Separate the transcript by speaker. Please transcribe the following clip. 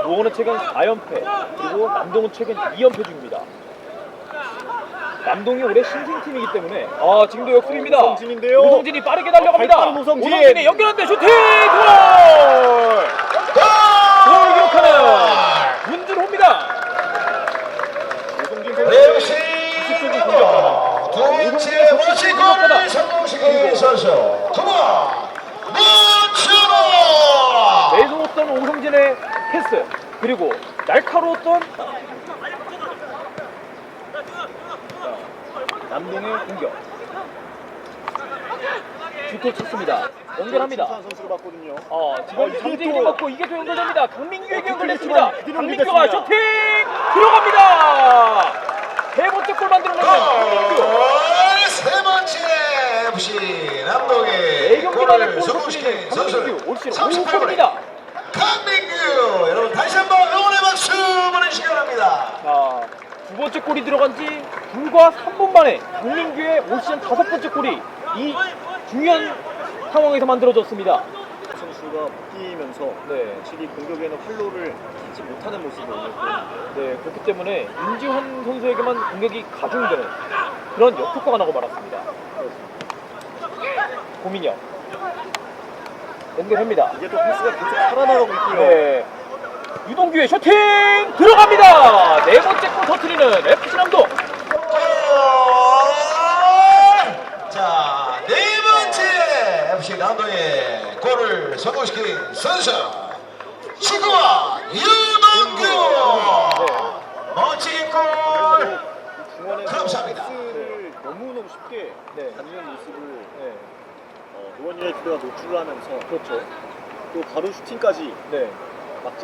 Speaker 1: 노원은 최근 4연패, 그리고 남동은 최근 2연패 중입니다. 남동이 올해 신생팀이기 때문에 지금도 역습입니다.
Speaker 2: 오성진인데요.
Speaker 1: 오성진이 빠르게 달려갑니다.
Speaker 2: 발빠른 오성진.
Speaker 1: 오성진이 연결하는데 슈팅! 골! 골 기록하는 문준호입니다.
Speaker 2: 오성진
Speaker 3: 네, 역시
Speaker 1: 적인 공격.
Speaker 3: 두 번째 멋진 골을 성공시킨 선수 두번 문준호.
Speaker 1: 매서웠던 오성진의 패스, 그리고 날카로웠던 남동의 공격. 슈팅 쳤습니다. 연결합니다.
Speaker 2: 김찬 선수로 봤거든요.
Speaker 1: 지금
Speaker 2: 이게
Speaker 1: 장재인이
Speaker 2: 또-
Speaker 1: 먹고 이게 또 연결됩니다. 강민규에게 연결됐습니다.
Speaker 2: 그대로
Speaker 1: 강민규가
Speaker 2: 연결됐습니다.
Speaker 1: 슈팅 들어갑니다. 세 번째 골 만들어내는 강민규.
Speaker 3: 세 번째 FC 남동의
Speaker 1: 4경기 만에
Speaker 3: 골을
Speaker 1: 골
Speaker 3: 성공시킨
Speaker 1: 터뜨리는 강민규.
Speaker 3: 선수
Speaker 1: 올 시즌
Speaker 3: 38골입니다.
Speaker 1: 5골입니다.
Speaker 3: 강민규, 여러분 다시 한번 응원의 박수 보내시기 바랍니다.
Speaker 1: 두 번째 골이 들어간 지 불과 3분 만에 강민규의 올 시즌 5번째 골이 이 중요한 상황에서 만들어졌습니다.
Speaker 2: 선수가 바뀌면서
Speaker 1: 네.
Speaker 2: 확실히 공격에는 활로를 찾지 못하는 모습을 보였고
Speaker 1: 네, 그렇기 때문에 윤지환 선수에게만 공격이 가중되는 그런 역효과가 나고 말았습니다. 고민혁 연결합니다.
Speaker 2: 이게 또 패스가 계속 살아나가고 있고요.
Speaker 1: 네, 유동규의 슈팅 들어갑니다. 네 번째 골 터뜨리는 FC 남동.
Speaker 3: 자, 네 번째 FC 남동의 골을 성공시킨 선수 축구와 유동규. 멋진 골.
Speaker 2: 중원에서
Speaker 3: 감사합니다.
Speaker 2: 패스를 너무너무 쉽게
Speaker 1: 네.
Speaker 2: 받는 모습을
Speaker 1: 네,
Speaker 2: 노원 유나이티드가 노출을 하면서
Speaker 1: 그렇죠.
Speaker 2: 또 바로 슈팅까지
Speaker 1: 네.